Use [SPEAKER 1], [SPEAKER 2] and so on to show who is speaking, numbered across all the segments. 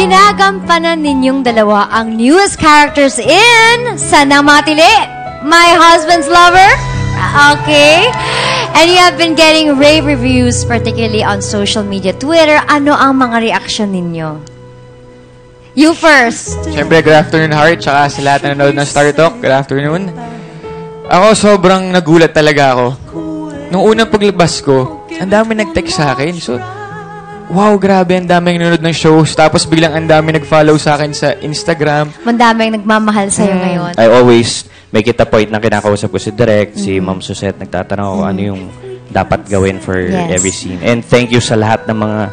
[SPEAKER 1] Ginagampanan ninyong dalawa ang newest characters in Sanang Matili, My Husband's Lover. Okay. And you have been getting rave reviews, particularly on social media, Twitter. Ano ang mga reaction ninyo? You first.
[SPEAKER 2] Siyempre, good afternoon, Heart. Tsaka sa lahat na nanonood ng Star Talk, good afternoon. Ako, sobrang nagulat talaga ako. Nung unang paglabas ko, ang dami nag-text sa akin. So, wow, grabe, ang daming nanonood ng shows. Tapos biglang ang dami nag-follow sa akin sa Instagram.
[SPEAKER 1] Ang daming nagmamahal sa'yo ngayon.
[SPEAKER 3] I always make it a point na kinakausap ko si Direk, si Ma'am Suzette, nagtatanong ako ano yung dapat gawin for every scene. And thank you sa lahat ng mga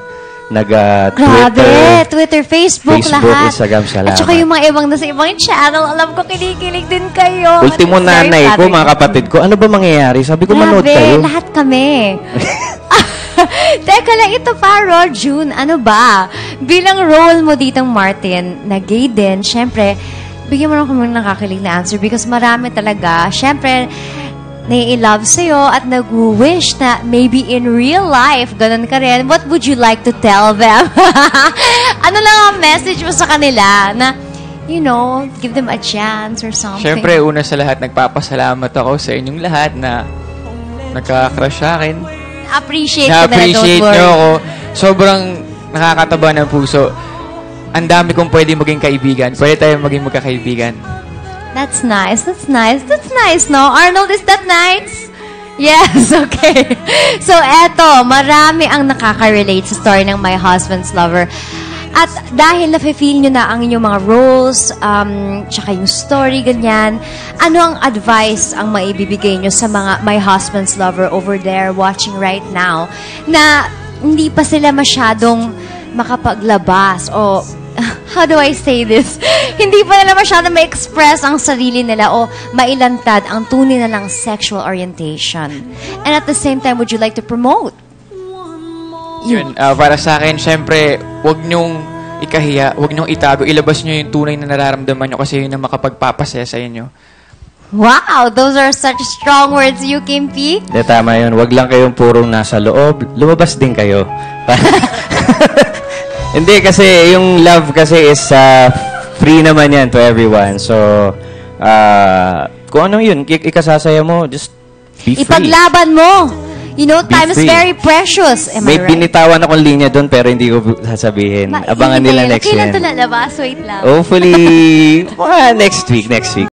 [SPEAKER 1] Twitter, Facebook, lahat.
[SPEAKER 3] Instagram, salamat.
[SPEAKER 1] At saka yung mga ibang nasa ibang channel, alam ko kinikilig din kayo.
[SPEAKER 3] Ultimo nanay ko, mga kapatid ko, ano ba mangyayari? Sabi ko, manood kayo.
[SPEAKER 1] Lahat kami. Teka lang, ito pa, June, ano ba? Bilang role mo ditong Martin, na gay din, syempre, bigyan mo na kami nakakilig na answer because marami talaga, syempre, nai-love sa'yo at nag-wish na maybe in real life, ganun ka rin. What would you like to tell them? Ano lang ang message mo sa kanila na, you know, give them a chance or something?
[SPEAKER 2] Syempre, una sa lahat, nagpapasalamat ako sa inyong lahat na nagka-crush sa akin.
[SPEAKER 1] Appreciate
[SPEAKER 2] nyo ako. Sobrang nakakataba ng puso. Ang dami kong pwede maging kaibigan. Pwede tayong maging magkakaibigan.
[SPEAKER 1] That's nice. That's nice. That's nice, no? Arnold, is that nice? Yes, okay. So, eto, marami ang nakaka-relate sa story ng My Husband's Lover. At dahil na-feel nyo na ang inyong mga roles, tsaka yung story, ganyan, ano ang advice ang maibibigay nyo sa mga My Husband's Lover over there watching right now na hindi pa sila masyadong makapaglabas o how do I say this? Hindi pa nila masyadong ma-express ang sarili nila o mailantad ang tunay na lang sexual orientation. And at the same time, would you like to promote?
[SPEAKER 2] Yun, para sa akin, syempre, huwag nyong ikahiya, huwag nyong itago, ilabas nyo yung tunay na nararamdaman nyo kasi yun ang makapagpapasaya sa inyo.
[SPEAKER 1] Wow! Those are such strong words, you, Kimpi.
[SPEAKER 3] Tama yun. Huwag lang kayong purong nasa loob. Lumabas din kayo. Hindi, kasi yung love kasi is free naman yan to everyone. So, kung ano yun, ikasasaya mo, just be free.
[SPEAKER 1] Ipaglaban mo! You know, time is very precious. Am I right?
[SPEAKER 3] May binitawan akong linya doon pero hindi ko sasabihin. Abangan nila next year.
[SPEAKER 1] Kailan ito lalabas? Wait lang.
[SPEAKER 3] Hopefully, next week.